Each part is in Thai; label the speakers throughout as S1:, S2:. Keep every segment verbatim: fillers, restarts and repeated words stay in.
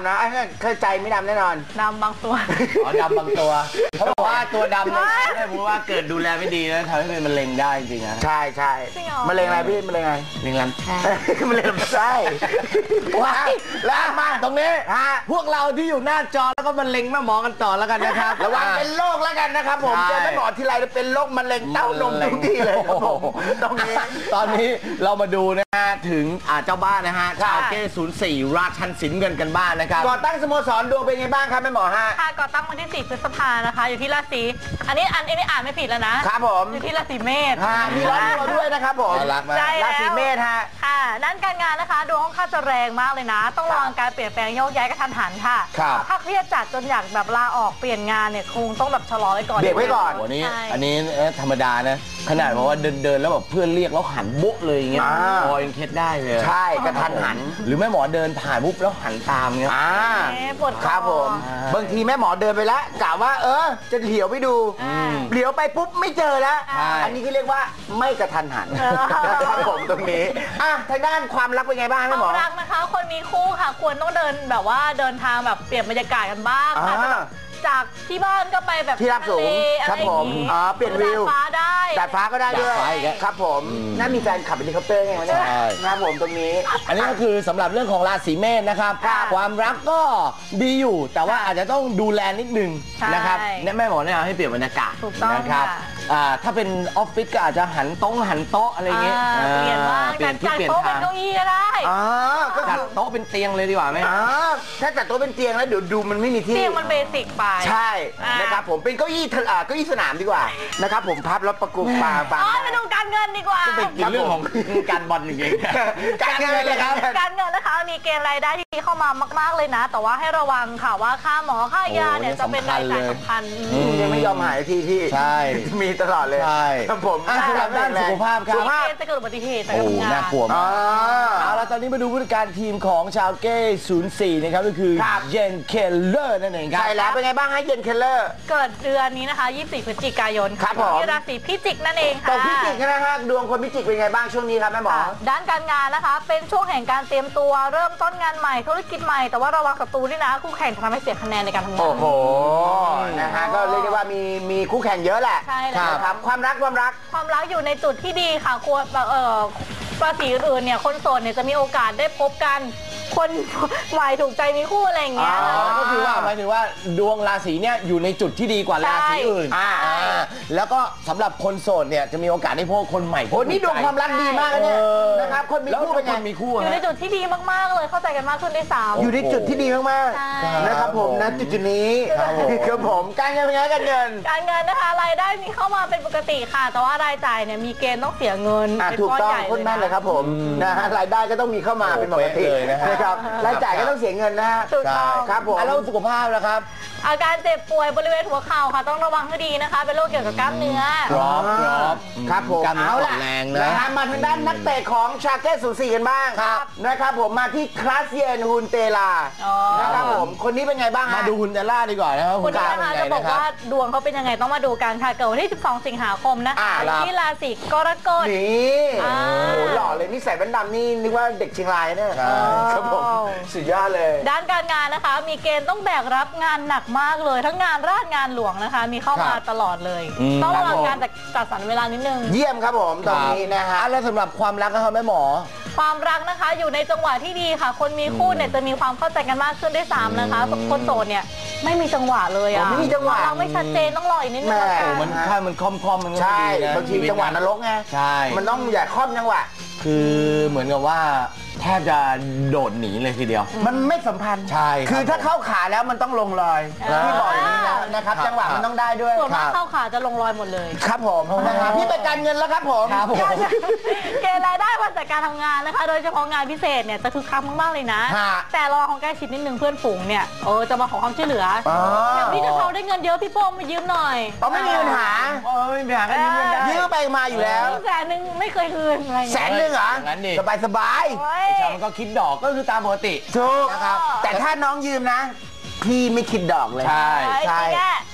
S1: ำนะเคยใจไม่ดำแน่นอน
S2: ดำบางตัว
S3: อ๋อดำบางตัวเขาบอกว่าตัวดำเนี่ยถ้าพูดว่าเกิดดูแลไม่ดีแล้วทำให้เป็นมะเร็งได้จริงนะ
S1: ใช่ใช่มะเร็งอะไรพี่มะเร็งอะไร
S3: มะเร็งลำไส้
S1: มะเร็งลำไส้ว้าแล้วมาตรงนี้ฮะ
S3: พวกเราที่อยู่หน้าจอแล้วก็มะเร็งแม่หมอกันต่อแล้วกันนะครับ
S1: ระวังเป็นโรคแล้วกันนะครับผมเจอแม่หมอที่ไรจะเป็นโรคมะเร็งเต้านมทุกทีเลยครับผมตรงนี้
S3: ตอนนี้เรามาดูนะฮะถึงเจ้าบ้านนะฮะชาวเก้ศูนย์สี่ราชันสินเงินกันบ้านนะครับ
S1: ก่อตั้งสโมสรดวงเป็นไงบ้างครับแม่หมอฮะ
S2: ค่ะก่อตั้งวันที่สี่พฤษภานะคะอยู่ที่ราศีอันนี้อันนี้อ่านไม่ผิดแล้วนะครับ
S1: ผม
S2: อยู่ที่ราศีเมษ
S1: มีร้อนตัวด้วยนะครับผมราศีเมษฮะ
S2: ค่ะด้านการงานนะคะดวงค่อนข้างจะแรงมากเลยนะต้องระวังการเปลี่ยนแปลงโยกย้ายกระทันหันค่ะถ้าเครียดจัดจนอยากแบบลาออกเปลี่ยนงานเนี่ยคงต้องแบบชะลอไว้ก่อน
S1: เบรกไว้ก่อน
S3: วันนี้อันนี้ธรรมดานะขนาดบอกว่าเดินเดินแล้วแบบเพื่อนเรียกแล้วหันบุ๊กเลยอย่างเงี้ยพอยังเคล็ดได้เลย
S1: ใช่กระทันหัน
S3: หรือแม่หมอเดินผ่านปุ๊บแล้วหันตามเงี้ย
S2: ปวด
S1: ครับผมบางทีแม่หมอเดินไปแล้วกะว่าเออจะเหลียวไปดูเหลียวไปปุ๊บไม่เจอแล้วอันนี้คือเรียกว่าไม่กระทันหันครับผมตรงนี้อ่ะทางด้านความรักเป็นไงบ้างแม่หมอ
S2: ความรักนะคะคนมีคู่ค่ะควรต้องเดินแบบว่าเดินทางแบบเปลี่ยนบรรยากาศกันบ้างจากที่บ้านก็ไปแบบ
S1: ที่ราบสูงครับผมอ๋อเปลี่ยนวิว
S2: ดาดฟ้าได้
S1: ดาดฟ้าก็ได้ด้วยครับผมน่ามีแฟนขับเฮลิคอปเตอร์ไงใช่ครับผมตรงนี้
S3: อันนี้ก็คือสำหรับเรื่องของราศีเมษนะครับความรักก็ดีอยู่แต่ว่าอาจจะต้องดูแลนิดนึงนะครับแม่หมอแนะนำให้เปลี่ยนบรรยากาศนะครับถ้าเป็นออฟฟิศก็อาจจะหันโต๊ะหันโต๊ะอะไรเงี้ย
S2: เปลี่ยนบ้างจัดโต๊ะเป็นเก้าอี้ก็ได้
S3: จัดโต๊ะเป็นเตียงเลยดีกว่าไหม
S1: ถ้าจัดโต๊ะเป็นเตียงแล้วเดี๋ยวดูมันไม่มีที่
S2: เตียงมันเบสิกไป
S1: ใช่นะครับผมเป็นเก้าอี้เก้าอี้สนามดีกว่านะครับผมพับแล้วประกบปาปา
S2: อ๋อมาดูการเงินดีกว่า
S3: เป็นเรื่องของการบอลจริง
S1: ๆการเงินเลยครับ
S2: การเงินนะคะมีเกณฑ์รายได้ที่เข้ามามากๆเลยนะแต่ว่าให้ระวังค่ะว่าค่าหมอค่ายาเนี่ยจะเป็นรายจ่ายสำคัญ
S1: ยังไม่ยอมหายที่ที่
S3: ใช่
S1: มีตลอดเลยครับผม
S3: สำหรับด้านสุขภาพครับ
S2: จะเกิดอุบัติเหตุ
S3: โอ้น่ากลัวมากเอาละตอนนี้มาดูผู้จัดการทีมของชาวเก้ศูนย์สี่นะครับก็คือเยนเคลเลอร์นั่นเองครับ
S1: ใช่แล้วเป็นไงบ้างให้เยนเคลเลอร์
S2: เกิดเดือนนี้นะคะยี่สิบสี่พฤศจิกายนที่ราศีพิจิกนั่นเองค่ะ
S1: ตกพิจิกนะฮะดวงคนพิจิกเป็นไงบ้างช่วงนี้ครับแม่หมอ
S2: ด้านการงานนะคะเป็นช่วงแห่งการเตรียมตัวเริ่มต้นงานใหม่ธุรกิจใหม่แต่ว่าระวังศัตรูนี่นะคู่แข่งทำให้เสียคะแนนในการทำงาน
S1: โอ้โหนะฮะก็เรียกได้ว่ามีมีคู่แข่งเยอะแหละ
S2: ใช่แล้ว
S1: ครับความรักความรัก
S2: ความรักอยู่ในจุดที่ดีค่ะควรเอ่อราศีอื่นเนี่ยคนโสดเนี่ยจะมีโอกาสได้พบกันคนใหม่ถูกใจมีคู่อะไรอย่างเงี้ย
S3: ก็คือว่าหมายถึงว่าดวงราศีเนี่ยอยู่ในจุดที่ดีกว่าราศีอื่นแล้วก็สำหรับคนโสดเนี่ยจะมีโอกาสได้พบคนใหม่
S1: โอ้นี่ดวงความรักดีมากเลยเนี่ยนะครับคนมีคู่เป็นไง
S3: มีคู่
S2: อยู่ในจุดที่ดีมากๆเลยเข้าใจกันมากขึ้นได้สาม
S1: อยู่ในจุดที่ดีมากๆนะครับผมนะจุดจุดนี้ครับผมการเงินเป็นไงการเงิน
S2: การเงินนะคะรายได้มีเข้ามาเป็นปกติค่ะแต่ว่ารายจ่ายเนี่ยมีเกณฑ์ต้องเสียเงิน
S1: ถูกต้องคนแม่นเลยครับผมนะฮะรายได้ก็ต้องมีเข้ามาเป็นปกติเลยนะครับรายจ่ายก็ต้องเสียเงินนะฮะ
S2: ถูกต้อง
S1: ครับผม
S3: แล้วสุขภาพนะครับ
S2: อาการเจ็บป่วยบริเวณหัวเข่าค่ะต้องระวังให้ดีนะคะเป็นโรคเกี่ยวกับกล้ามเนื้อ
S3: ครับครับ
S1: ครับผมเอาล่ะนะฮะมาทางด้านนักเตะของชาเก้ศูนย์สี่กันบ้างนะครับผมมาที่คลาสเยนฮุนเตลานะครับผมคนนี้เป็นไงบ้าง
S3: มาดูฮุนเตล่าดีกว่านะครับ
S2: คนนี้นะคะจะบอกว่าดวงเขาเป็นยังไงต้องมาดูกันค่ะเกิดวันที่สิบสองสิงหาคมนะคะที่ราศีกรกฎ
S1: นี่โอ้โหหล่อเลยนี่ใส่แว่นดำนี่นึกว่าเด็กเชียงรายเนี่ยครับผมสุดยอดเลย
S2: ด้านการงานนะคะมีเกณฑ์ต้องแบกรับงานหนักมากเลยทั้งงานราชงานหลวงนะคะมีเข้ามาตลอดเลยต้องระวังการจัดสรรเวลานิดนึง
S1: เยี่ยมครับผมตอนนี้นะฮะ
S3: แล้วสำหรับความรักนะครับแม่หมอ
S2: ความรักนะคะอยู่ในจังหวะที่ดีค่ะคนมีคู่เนี่ยจะมีความเข้าใจกันมากขึ้นได้สามนะคะคนโสดเนี่ยไม่มีจังหวะเลยอ่ะ
S1: ไม่มีจังหวะ
S2: เราไม่ชัดเจนต้องรออีกนิดนึง
S3: มันถ้ามันคล่อมคล่อมมัน
S1: ใช่บางทีจังหวะนรกไง
S3: ใช่
S1: มันต้องอย่าคล่อมจังหวะ
S3: คือเหมือนกับว่าแทบจะโดดหนีเลยทีเดียว
S1: มันไม่สัมพันธ์
S3: ใช่
S1: คือถ้าเข้าขาแล้วมันต้องลงรอยพี่บอกอย่างนี้นะนะครับจังหวะมันต้องได้ด้วย
S2: ส่วนมากเข้าขาจะลงรอยหมดเลย
S1: ครับผมพี่ไปการเงินแล้วครับผม
S2: เกณฑ์รายได้มาจากการทำงานนะคะโดยเฉพาะงานพิเศษเนี่ยจะคึกคักมากๆเลยนะแต่รอของใกล้ชิดนิดนึงเพื่อนฝูงเนี่ยเออจะมาขอความช่วยเหลืออย่างพี่จะเขาได้เงินเยอะพี่โป้มายืมหน่อย
S1: อ๋อไม่มีปัญหา
S3: ไม่มีปัญหาก็ยืมเงินได้
S1: ยืมไปมาอยู่แล้ว
S2: แสนนึงไม่เคยคืน
S1: แสนนึงเหรอสบายสบาย
S3: ชาวมันก็คิดดอกก็คือตามปกติ
S1: ถูกนะครับแต่ถ้าน้องยืมนะพี่ไม่คิดดอกเลย
S3: ใช่
S1: ใช่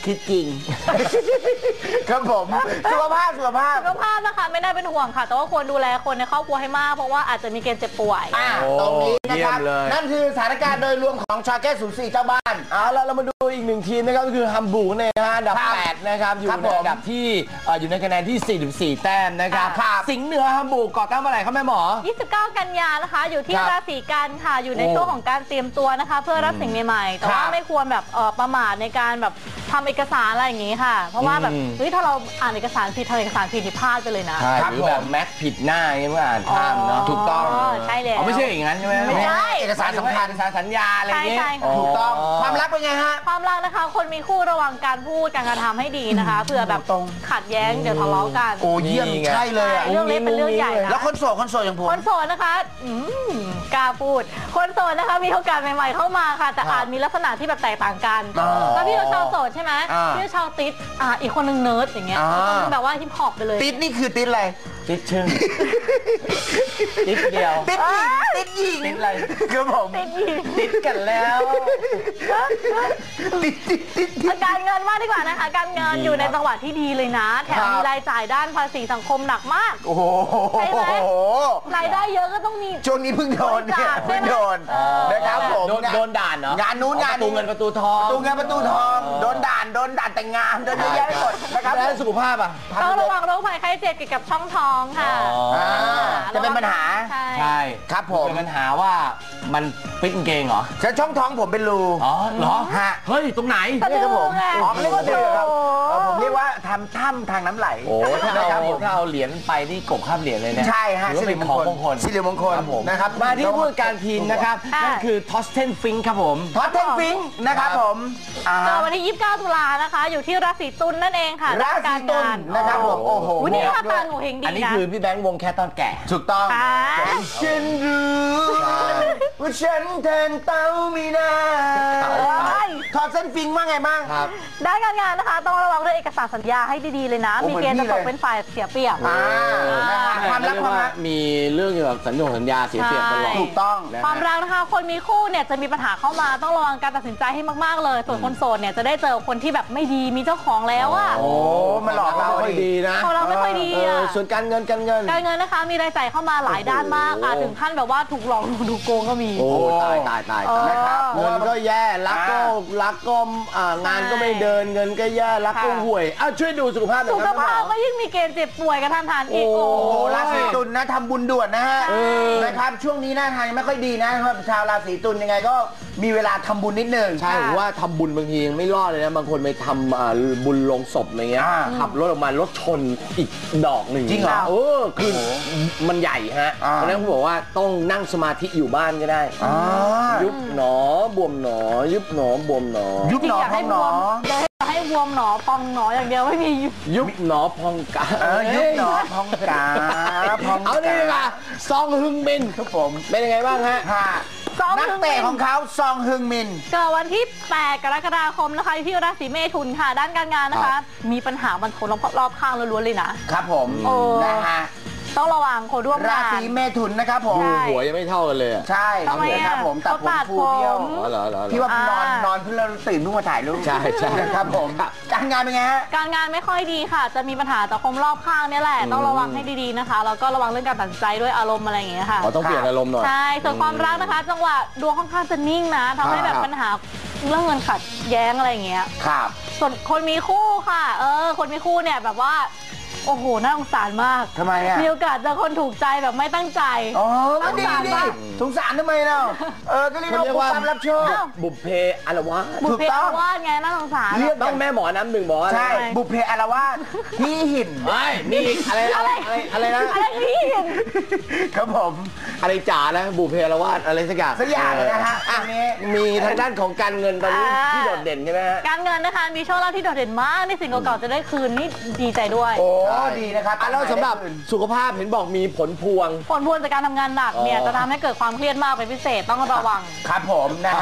S1: คิดจริง ครับผมสุขภาพสุขภาพ
S2: สุขภาพนะคะไม่น่าเป็นห่วงค่ะ แต่ว่าควรดูแลคนในครอบครัวให้มากเพราะว่าอาจจะมีเกณฑ์เจ็บป่วย
S1: อ่าตรงนี้นะครับ
S3: เยี่ยมเลย
S1: นั่นคือสถานการณ์โดยรวมของชาแก้ศูนย์สี่เจ้าบ้าน
S3: เอาละเรามาดูอีกหนึ่งทีมนะครับก็คือฮัมบูร์กเนี่ยนะฮะอันดับ
S1: ครับ
S3: แปดนะครับอยู่
S1: ครับ
S3: ใน
S1: ผม
S3: อันดับที่เอ่ออยู่ในคะแนนที่สี่สิบสี่แต้มนะครับ
S1: ครับ
S3: สิงห์เหนือฮัมบูร์กก่อตั้งเมื่อไหร่ครับแม่หมอ
S2: ยี่สิบเก้า กันยานะคะ อยู่ที่
S3: ครับ
S2: ราศีกันค่ะ อยู่ใน
S3: โอ้
S2: ช่วงของการเตรียมตัวนะคะ เพื่อรับสิ่งใหม่ๆ แต่ว่า
S1: ครับ
S2: ไม่ควรแบบเอ่อประมาทในการแบบทำเอกสารอะไรอย่างงี้ค่ะ เพราะว่าแบบ
S3: อืม
S2: เฮ้ยถ้าเราอ่านเอกสารผิดทำเอกสารผิดนี่พลาดไปเลยนะ
S3: ใช่
S1: ครับ
S3: หรือแบบ
S1: ผม
S3: แม็กผิดหน้าอย่างเงี้ยเมื่ออ่านข้ามเนาะ
S1: ถูกต้อง
S2: ใช่แล้ว
S3: อ๋อไม่ใช่อย่างนั้นใช่ไหม
S2: ไม่ใช่
S1: เอกสารสำคัญ
S3: เอกสารสัญญาอะไรอย่างเงี้ย
S2: ใช่ใช่ค่ะ
S1: ถูกต้องความรักเป็นไงฮะ
S2: ความรักนะคะ คนมีคู่ระวังการพูดการกระทำให้ดีนะคะเผื่อแบบ
S1: ตรง
S2: ขัดแย้งเดี๋ยวทะเลาะกัน
S1: โอ้เยี่ยม
S3: นี่ไง
S1: ใช่เลยอะ
S2: เรื่องเล็กเป็นเรื่องใหญ่นะ
S1: แล้วคนโสดคนโสดอย่างผม
S2: คนโสดนะคะอืมกล้าพูด คนโสดนะคะมีโอกาสใหม่ๆเข้ามาค่ะ แต่อาจมีลักษณะที่แบบแตกต่างกัน
S1: อ๋อ
S2: แล้วพี่เราชาวโสดใช่ไหม
S1: อ่า
S2: พี่เราชาวติดอ่าอีกคนนึงเนิร์ดอย่างเงี้ย
S1: อ่า
S2: อีกคนนึงแบบว่าฮิปฮอปไปเลย
S1: ติดนี่คือติดอะไร
S3: ติดชึ่งติดเดียว
S1: ติดหญิงติดหญิง
S3: ติดอะไร
S1: ครับผม
S2: ติดหญิง
S3: ติดกันแล้ว
S1: ติดติดติดติด
S2: การเงินมากดีกว่านะคะ การเงิน
S3: ดี
S2: อยู่ใน
S3: ครับ
S2: จังหวะที่ดีเลยนะ แถม
S1: ครับ
S2: มีรายจ่ายด้านภาษีสังคมหนักมาก
S1: โอ้โห
S2: ใช่ไหม รายได้เยอะก็ต้องมี
S1: ช่วงนี้เพิ่งโดนเนี่ย
S2: บริจาคใช่
S1: เพิ่ง
S2: ไหม
S1: โดน
S2: เออ
S1: นะครับผม
S3: โดนโดนด่านเนาะ
S1: งานนู้นงาน
S3: ประตูเงินประตูทอง
S1: ประตูเงินประตูทองโดนด่านโดนด่านแต่งงานโดนเยอะแยะไปหมดนะครับ
S3: แล้วสุขภาพอ่ะ
S2: ต้องระวังโรคภัยไข้เจ็บเกี่ยวกับช่องท้องค่ะ
S1: อ่าจะเป็นปัญหา
S2: ใช่
S3: ใช่
S1: ครับผม
S3: เป็นปัญหาว่ามันฟิตกางเกงเหรอ
S1: ฉันช่องท้องผมเป็นรู
S3: อ๋อเหรอ
S1: ฮะ
S3: เฮ้ย ตรงไหน
S2: สะดื
S1: นี่ครับผม
S2: ไง
S1: อ๋อเขาเรียกว่าดือครับ
S2: โอ้โห
S1: เออผมเรียกว่าทำถ้ำทางน้ำไหล
S3: โอ้ถ้า
S1: นะครั
S3: เอา
S1: บผม
S3: ถ้าเอาเหรียญไปนี่กบข้ามเหรียญเลยเนี่ย
S1: ใช่ฮะ
S3: ถือว่าเป็นของมงคล
S1: สิริมงคล
S3: ครับผม
S1: นะครับ
S3: มาที่ผู้จัดการทีมนะครับ
S2: ค่ะ
S3: นั่นคือทอสเทนฟิงค์ครับผม
S1: ทอตเทนฟิงค์นะครับผมอ่า
S2: เจอวันที่ ยี่สิบเก้า ตุลานะคะ อยู่ที่ราศีตุลนั่นเองค่ะ
S1: ราศีตุลนะครับผมโอ้โห
S2: วันนี้
S1: บ
S2: ท่า
S1: อกด้
S2: ตา
S1: วย
S2: หนูเฮงดี
S3: อันนี้
S2: นะ
S3: คือพี่แบงค์วงแค่ตอนแก่
S1: ถูกต้อง
S2: ค่ะ
S1: ฉันรู้ว่าฉันแทนเต้าไม่ได้
S3: เต้า
S1: ทอดเส้นฟิงค์ว่าไงบ้าง
S3: ครับ
S2: ด้านการงานนะคะ ต้องระวังเรื่องเอกสารสัญญาให้ดีๆเลยนะ
S1: โอ้
S2: มี
S1: เหมือน
S2: เกณฑ์
S1: พี่
S2: จะต
S1: เล
S2: ก
S1: ย
S2: เป็นฝ่ายเสียเปรียบ
S1: อ่านะฮะความรักความรัก
S3: มีเรื่องเกี่ยวกับสัญญงสัญญาเสียเปรียบตลอด
S2: ใช่
S1: ถูกต้อง
S3: นะ
S2: ความรักนะคะ คนมีคู่เนี่ยจะมีปัญหาเข้ามาต้องระวังการตัดสินใจให้มากๆเลย ส่วนคนโสดเนี่ยจะได้เจอคนที่แบบไม่ดีมีเจ้าของแล้วอะ
S1: โอ้มาหลอกเรา
S3: ไม่ค่อยดีนะ
S2: ของเราไม่ค่อยดี
S3: เอ
S2: อะ
S3: อส่วนการเงินการเงิน
S2: การเงินนะคะมีรายจ่ายเข้ามาหลายด้านมากอาจถึงขั้นแบบว่าถูกหลอกถูกโกงก็มี
S3: โอ้ตายตายตาย
S2: เออ
S3: นะครับ
S1: เพราะ
S3: เงิ
S1: ว่าน
S3: ก็แย่รักก็
S1: อ่า
S3: รักก็อ่างานก็ไม่เดินเงินก็แย่รักก็
S2: ค่ะ
S3: ห่วยอ้าวช่วยดูสุขภาพหน่อย
S2: สุ
S3: ค
S2: ข
S3: รับ
S2: ภาพ
S3: คุณหม
S2: ก็
S3: อ
S2: ยิ่งมีเกณฑ์เจ็บป่วยกระทันหันอีก
S3: โอ้
S2: โอ้
S1: โอ้
S2: โห
S1: โหราศีตุลนะทำบุญด่วนนะฮะ
S3: เออ
S1: นะครับช่วงนี้หน้าทางยังไม่ค่อยดีนะสำหรับชาวราศีตุลยังไงก็มีเวลาทำบุญนิดนึง
S3: ใช่ผมว่าทำบุญบางทียังไม่รอดเลยนะบางคนไปทำอ่าบุญลงศพอะไรเงี้ย
S1: อ่า
S3: ขับรถออกมารถชนอีกดอกหนึ่ง
S1: จริงเหรอ
S3: เออคือมันใหญ่ฮะ
S1: อ่า
S3: เพราะฉะนั้นผมบอกว่าต้องนั่งสมาธิอยู่บ้านก็ได้
S1: อ่า
S3: ยุบหนอบวมหนอ ยุบหนอบวมหนอ
S1: ยุบหนอ
S2: จริงๆอยาก
S1: พอ
S2: ให้
S1: ง
S2: บ
S1: หน
S2: ว
S1: อ
S2: มอยากให้บวมหนอพองหนออย่างเดียวไม่มียุบ
S3: ยุบหนอพองกา
S1: เออยุบหนอพองกาพองกา
S3: เอานี่ค่ะซองฮึงบิน
S1: ครับผม
S3: เป็นยังไงบ้างฮะ
S1: ค่ะ
S2: ซอง
S1: นัก
S2: ฮึง
S1: เตะ
S2: บิน
S1: ของเขาซองฮึงมิน
S2: เกิดวันที่ แปด กรกฎาคมนะคะที่ราศีเมถุนค่ะ ด้านการงานนะ
S3: ครั
S2: คะ
S3: บ
S2: มีปัญหาบันทนรอบๆข้างล้วนๆเลยนะ
S1: ครับผม
S2: โอ้
S1: นะฮะ
S2: ต้องระวังคนร่วม
S1: ราง
S2: าน
S1: ศีเมถุนนะครับผม
S2: ใช่
S3: หัวยังไม่เท่ากันเลยอะ
S1: ใช่
S2: ทำไมอะ
S1: ครับผมตัดผม
S2: เขาตัด
S1: ฟูเบี้ยว
S2: ผม
S3: อ๋อเหรอเหรอเหรอ
S1: พี่ว่า
S2: อ่าน
S1: อนนอนเพิ่งเราตื่นเพิ่งมาถ่ายรูป
S3: ใช่ใช่
S1: ครับผมการงานเป็นไงฮะ
S2: การงานไม่ค่อยดีค่ะ จะมีปัญหาจากคนรอบข้างเนี่ยแหละ ต้องระวังให้ดีๆนะคะ แล้วก็ระวังเรื่องการตัดสินใจด้วยอารมณ์อะไรอย่างเงี้ยค่ะ
S3: อ๋อต้องเปลี่ยนอารมณ์หน่อย
S2: ใช่ ส่วนความรักนะคะ จังหวะดวงค่อนข้างจะนิ่งนะทำให้แบบ
S3: ครับ
S2: ปัญหาเรื่องเงินขัดแย้งอะไรอย่างเงี้ย
S1: ครับ
S2: ส่วนคนมีคู่ค่ะ เออ คนมีคู่เนี่ยแบบว่า โอ้โห น่าสงสารมาก
S1: ทำไมอ่ะ
S2: มีโอกาสเจอคนถูกใจแบบไม่ตั้งใจ
S1: อ๋อก็ดี
S2: สงสาร
S1: ดี
S2: ปะ
S1: สงสารทำไมเราเออก็เรียก
S3: เขาเรียก
S1: ว่า
S3: ว่า
S1: ความรับโชค
S2: อ้าว
S3: บุพเพอารวาส
S2: บุ
S1: ถู
S2: พ
S1: ก
S2: เพ
S1: ต้อง
S2: วาดไงน่าสงสาร
S1: เรียก
S3: ต้องแม่หมอน้ำหนึ่งบอกว่าอะไร
S1: ใช่
S2: ทำไม
S1: บุพเพอารวาสพี่หิน
S3: เฮ้ยมีอีกอะไรอะไรอะไรอะไรนะ
S2: อะไรพี่
S1: ครับผม
S3: อะไรจ๋านะบุพเพอารวาสอะไรสักอย่าง
S1: สักอย่างเลยนะฮะ
S3: อ่ะ
S1: อันนี้
S3: มีทางด้านของการเงินตอนนี้
S2: อ่า
S3: ที่โดดเด่นใช่ไหมฮะ
S2: การเงินนะคะมีโชคลาภที่โดดเด่นมากในสิ่งเก่าๆจะได้คืนนี่ดีใจด้วย
S1: โอ้ดีนะครับ
S3: อ่ะแล้วสำหรับสุขภาพเห็นบอกมีผลพวง
S2: ผลพวงจากการทำงานหนักเนี่ย
S3: อ๋อ
S2: จะทำให้เกิดความเครียดมากเป็นพิเศษต้องระวัง
S1: ครับผมนะฮะ
S2: อ๋อ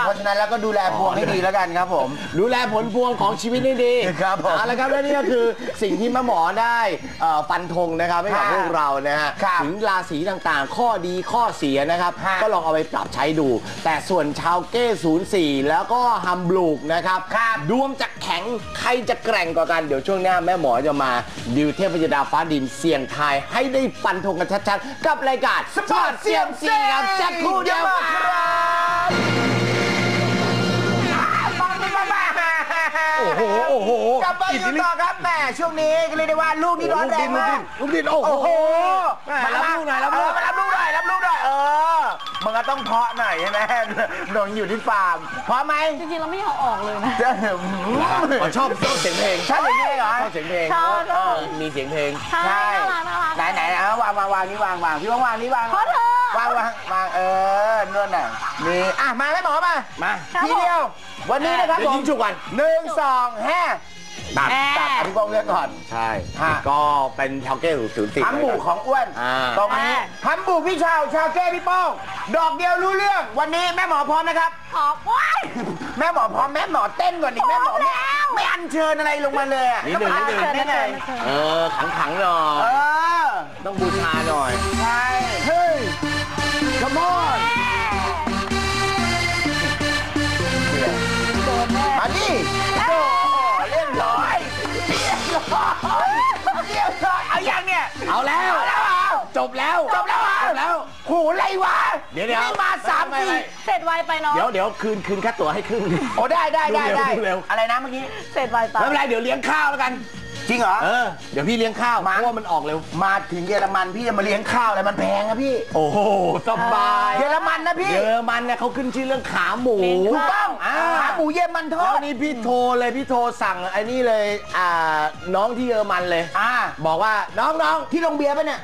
S1: เพราะฉะนั้นแล้วก็ดูแลพวงให้ดีแล้วกันครับผม
S3: ดูแลผลพวงของชีวิตให้ดี
S1: ครับผม
S3: เอาละครับและนี่ก็คือสิ่งที่แม่หมอได้ฟันธงนะครับให้กับพวกเรานะฮะถึงราศีต่างๆข้อดีข้อเสียนะครับก็ลองเอาไปปรับใช้ดูแต่ส่วนชาวเก้ศูนย์สี่แล้วก็ฮัมบลูกนะครับดวงจะแข็งใครจะแกร่งกว่ากันเดี๋ยวช่วงหน้าแม่หมอจะมาดิวเทพยดาฟ้าดินเสี่ยงทายให้ได้ฟันธงกันชัดๆกับรายการสปอร์ตเซียมซีครับแจ็คคู่เดียวโอ้โหโอ้โห
S1: กลับมาอยู่ต่อครับแม่ช่วงนี้ก็เรียกได้ว่าลูกนี่ร้อนแรงมาก
S3: ลูกดินโอ้โหมารับลูกหน่อยรับลูก
S1: มารับลูกหน่อยรับลูกหน่อยเออมันก็ต้องเพาะหน่อยใช่ไหมหนงอยู่ที่ฟาร์มเพาะไหม
S2: จริงๆเราไม่เอาออกเลยนะ
S3: ชอบชอบเสียงเพลง
S1: ชอบเสียงเพลงเหรอ
S3: ชอบเสียงเพลงมีเสียงเพลง
S2: ใช่น่ารักน่ารัก
S1: ไหนไหนเอาวางวางวางนี่วางวางพี่วางวางนี่วาง
S2: เพราะเธอ
S1: วางวางวางเออนวลหน่อยนี่อ่ะมาให้หมอมา
S3: มา
S1: ทีเดียววันนี้นะครับผม
S3: ยิงฉุกกัน
S1: หนึ่งสองแฮ่ตัดตัดอภิกองเลือกก่อน
S3: ใช่ก็เป็นชาวเก้ศูนย์สี่
S1: ฮัมบูของอ้วนตรงนี้ฮัมบูพี่ชาวชาวเก้พี่ป้องดอกเดียวรู้เรื่องวันนี้แม่หมอพร้อมนะครับ
S2: พร้อมว้าย
S1: แม่หมอพร้อมแม่หมอเต้นก่อนดิแม่หมอไม่อัญเชิญอะไรลงมาเลยอ่ะ
S3: นิดหนึ่งนิดหนึ่ง
S1: ได้ไง
S3: เออขังขังหน่อยต้องบูชาหน่อย
S1: ใช่เฮ้ย come on มาดิโอ้เรียบร้อยเรียบร้อยเรียบร้อยเอาอย่างเนี่ย
S3: เอาแล้วจบแล้ว
S1: จบแล้วจบแล้วโหอะไรวะ
S3: เดี๋ยวเดี๋ยว
S1: มาสามที
S2: เสร็จไวไปเนาะ
S3: เดี๋ยวเดี๋ยวคืนคืนค่าตั๋วให้ครึ่ง
S1: โอ้ได้ได้ได้ได้อะไรนะเมื่อกี้
S2: เสร็จไวไป
S3: ไม่เป็นไรเดี๋ยวเลี้ยงข้าวแล้วกัน
S1: จริงเหรอ
S3: เออเดี๋ยวพี่เลี้ยงข้าวเพราะว่ามันออกเร็ว
S1: มาถึงเยอรมันพี่จะมาเลี้ยงข้าวอะไรมันแพงนะพี่
S3: โอ้โหสบาย
S1: เยอรมันนะพี่
S3: เยอรมันเนี่ยเขาขึ้นชื่อเรื่องขาหมู
S1: ถูกต้องขาหมูเยอรมันทอด
S3: แล้วนี่พี่โทรเลยพี่โทรสั่งไอ้นี่เลยอ่าน้องที่เยอรมันเลย
S1: อ่า
S3: บอกว่าน้องน้อง
S1: ที่โรงเบียร์ป่ะเนี่ย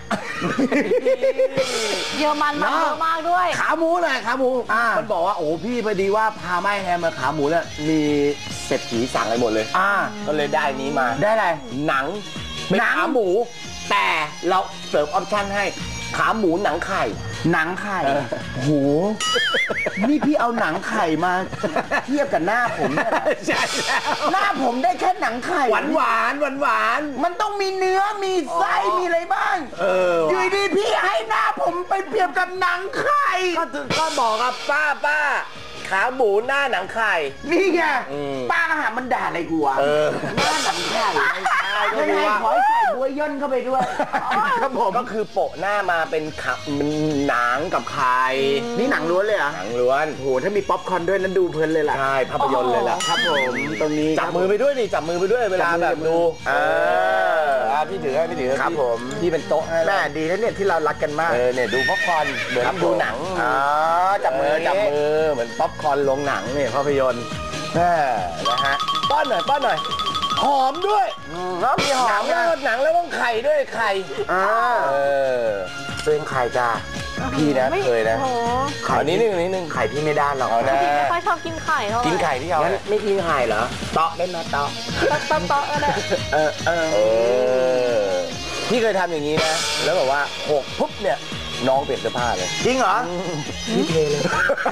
S2: เยอรมันมันเยอะมากด้วย
S3: ขาหมูหน่อยขาหมูมันบอกว่าโอ้พี่พอดีว่าพาแม่แฮมมาขาหมูเนี่ยมีเศรษฐีสั่งอะไรหมดเลย
S1: อ่า
S3: ก็เลยได้นี้มา
S1: ได้อะไร
S3: หนังเป็นขาหมูแต่เราเสริมออปชั่นให้ขาหมูหนังไข่
S1: หนังไข่โหนี่พี่เอาหนังไข่มาเทียบกับหน้าผมเนี่ย
S3: ใช่แล้ว
S1: หน้าผมได้แค่หนังไข่
S3: หวานหวานหวานหวาน
S1: มันต้องมีเนื้อมีไส้มีอะไรบ้าง
S3: เออ
S1: อยู่ดีพี่ให้หน้าผมไปเปรียบกับหนังไข่
S3: ก็ถึงก็บอกกับป้าป้าขาหมูหน้าหนังไข่
S1: นี่ไงป้าอาหารมันด่าอะไรกูวะหน้าหนังไข่ไม่ใช่ก็คือว่าขอใส่บัวย่นเข้าไปด้วย
S3: ครับผมก็คือโปะหน้ามาเป็นขับมันหนังกับไข่
S1: นี่หนังล้วนเลยเหรอ
S3: หนังล้วน
S1: โหถ้ามีป๊อปคอร์นด้วยนั้นดูเพลินเลยล่ะ
S3: ใช่ภาพยนตร์เลยล่ะ
S1: ครับผมตรงนี้
S3: จับมือไปด้วยนี่จับมือไปด้วยเวลาแบบดูเออพี่ถือพี่ถือ
S1: ครับผม
S3: พี่เป็นโต๊ะให้
S1: แม่ดีนะเนี่ยที่เรารักกันมาก
S3: เออเนี่ยดูป๊อปคอร์นเหมือนดูหนัง
S1: อ๋อจับมือ
S3: จับมือเหมือนป๊อปคอร์นลงหนังเนี่ยภาพยนตร์นะฮะป้อนหน่อยป้อนหน่อยหอมด้วย
S1: แล้วมีหอม
S3: หนังหนังแล้วต้องไข่ด้วยไข่
S1: อ่าเอ
S3: อ
S1: เป็นไข่จ้า
S3: พี่นะเคยนะไข่นี้นึงนี้นึง
S1: ไข่พี่ไม่ด้านหรอก
S2: นะไม่ค่อยชอบกินไข่เท่าไหร่
S3: กินไข่พี่เอา
S1: ไม่กินไข่เหรอ
S3: เตาะได้ไหมเตาะ
S2: เตาะเตาะก็ได้
S3: เออเออพี่เคยทำอย่างนี้นะแล้วแบบว่าหกปุ๊บเนี่ยน้องเปลี่ยนเสื้อผ้าเลย
S1: จริงเหรอ
S3: พี่เทเลย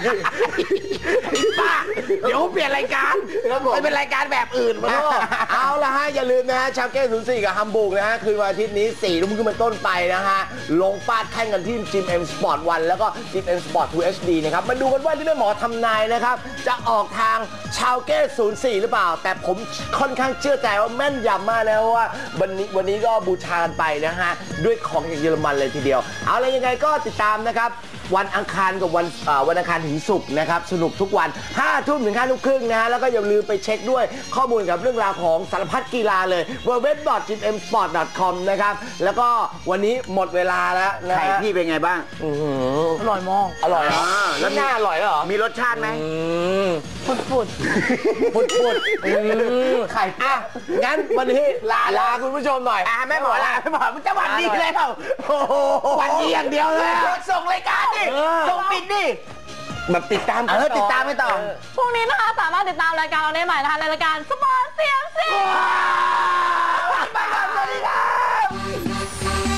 S3: ป้าเดี๋ยวเปลี่ยนรายการไปเป็นรายการแบบอื่นมาเอาละฮะอย่าลืมนะฮะชาวเก้ศูนย์สี่กับฮัมบูร์กนะฮะคืนวันอาทิตย์นี้สี่ทุ่มขึ้นเป็นต้นไปนะฮะลงฟาดแข่งกันที่จิมเอ็มสปอร์ตวันแล้วก็จิมเอ็มสปอร์ตทูเอชดีนะครับมาดูกันว่าที่แม่หมอทำนายนะครับจะออกทางชาวเก้ศูนย์สี่หรือเปล่าแต่ผมค่อนข้างเชื่อใจว่าแม่นยำมากนะว่าวันนี้วันนี้ก็บูชากันไปนะฮะด้วยของจากเยอรมันเลยทีเดียวเอาอะไรยังไงก็ติดตามนะครับวันอังคารกับวันวันอังคารถึงศุกร์นะครับสนุกทุกวันห้าทุ่มถึงห้าทุ่มครึ่งนะฮะแล้วก็อย่าลืมไปเช็คด้วยข้อมูลกับเรื่องราวของสารพัดกีฬาเลย ดับเบิลยู ดับเบิลยู ดับเบิลยู ดอท จิม เอ็ม สปอร์ต ดอท คอม นะครับแล้วก็วันนี้หมดเวลาแล้วนะ
S1: ไข่พี่เป็นไงบ้าง
S2: อร่อยมาก
S3: อร่อยเหรอแล้วหน้าอร่อยเหรอ
S1: มีรสชาติไหม
S2: ฟุดฟุด
S3: ฟุดฟุดไข่อ่ะงั้นวันนี้ลาลาคุณผู้ชมหน่อย
S1: อ่ะแม่หมอลาแม่หมอมันจะหวัดดีเลยเปล่า
S3: หวัดดีอย่างเดียวเลย
S1: ส่งรายการดิส่งปิดดิ
S3: แบบติดตาม
S1: เออติดตามไม่ต่อ
S2: พรุ่งนี้นะคะสามารถติดตามรายการเราได้ใหม่นะคะในรายการสปอร์ตเซียมซี
S1: สวัสดีครับ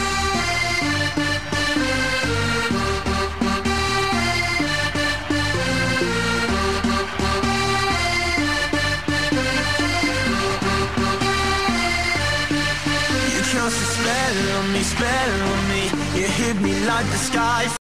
S4: on me, spell on me. You hit me like the sky.